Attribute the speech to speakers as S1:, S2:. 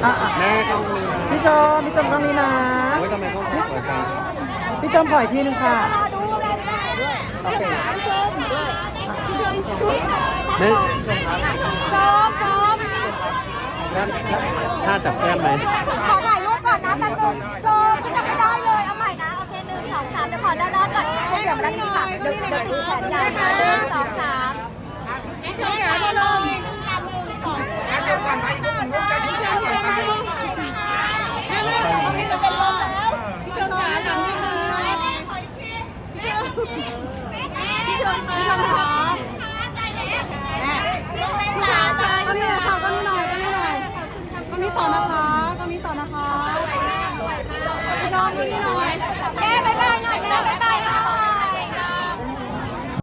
S1: แม่กล้องนี้นะ
S2: พี่ชมกล้องนี้นะ
S1: โอ้ยทำไมต้องสวยจัง
S2: พี่ชมขออีกทีนึงค่ะโอเค
S1: แม่
S3: ชม
S1: ถ้าจับแก้มไหม
S3: ขอถ่ายรูปก่อนนะแป๊บนึงชมฉันจะไม่ได้เลยเอาใหม่นะโอเค1 2 3เดี๋ยวขอด้านก่อนเดี๋ยวมาด้านนี้ค่ะเดี๋ยวติดแขนได้นะ1 2 3ชมขาลงก็นี่แหละค่ะก็นี่หน่อยก็นี่ต่อนะคะพี่น้องดูนี่หน่อย